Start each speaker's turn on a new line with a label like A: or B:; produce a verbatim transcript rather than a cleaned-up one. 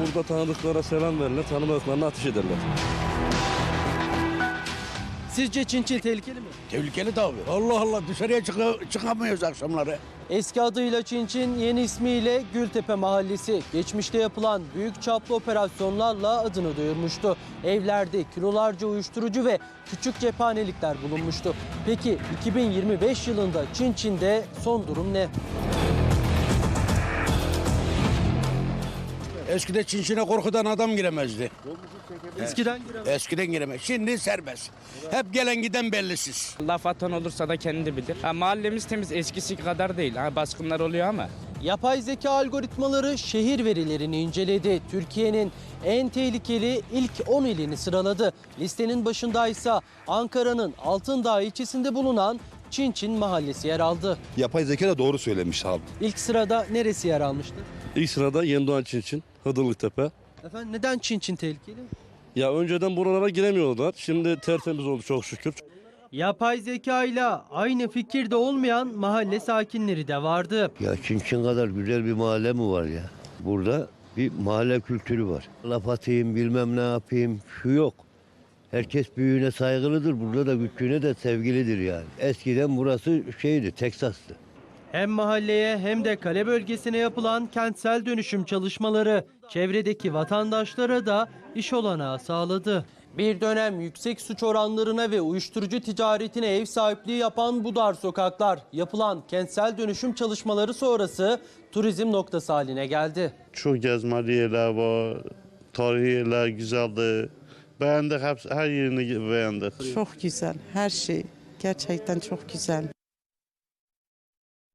A: Burada tanıdıklara selam verirler, tanımadıklarına ateş ederler.
B: Sizce Çin Çin tehlikeli mi?
C: Tehlikeli tabii. Allah Allah dışarıya çık çıkamıyoruz akşamları.
B: Eski adıyla Çin Çin, yeni ismiyle Gültepe Mahallesi. Geçmişte yapılan büyük çaplı operasyonlarla adını duyurmuştu. Evlerde kilolarca uyuşturucu ve küçük cephanelikler bulunmuştu. Peki iki bin yirmi beş yılında Çin Çin'de son durum ne?
C: Eskide Çinçin'e korkudan adam giremezdi.
B: Eskiden giremez.
C: Eskiden giremez. Şimdi serbest. Hep gelen giden bellisiz.
D: Laf atan olursa da kendi bilir. Ha, mahallemiz temiz, eskisi kadar değil. Ha, baskınlar oluyor ama.
B: Yapay zeka algoritmaları şehir verilerini inceledi. Türkiye'nin en tehlikeli ilk on ilini sıraladı. Listenin başındaysa Ankara'nın Altındağ ilçesinde bulunan Çin Çin mahallesi yer aldı.
E: Yapay zeka da doğru söylemiş abi.
B: İlk sırada neresi yer almıştı?
A: İlk sırada Yeni Doğan Çin Çin, Hıdırlıktepe.
B: Efendim neden Çin Çin tehlikeli?
A: Ya önceden buralara giremiyorlar. Şimdi tertemiz oldu çok şükür.
B: Yapay zeka ile aynı fikirde olmayan mahalle sakinleri de vardı.
F: Ya Çin Çin kadar güzel bir mahalle mi var ya? Burada bir mahalle kültürü var. Laf atayım bilmem ne yapayım şu yok. Herkes büyüğüne saygılıdır. Burada da küçüğüne de sevgilidir yani. Eskiden burası şeydi, Teksas'tı.
B: Hem mahalleye hem de kale bölgesine yapılan kentsel dönüşüm çalışmaları çevredeki vatandaşlara da iş olanağı sağladı. Bir dönem yüksek suç oranlarına ve uyuşturucu ticaretine ev sahipliği yapan bu dar sokaklar yapılan kentsel dönüşüm çalışmaları sonrası turizm noktası haline geldi.
G: Çok gezmeli yerler var, tarihi yerler güzeldi. Beğendik, hep, her yerini beğendik.
H: Çok güzel, her şey gerçekten çok güzel.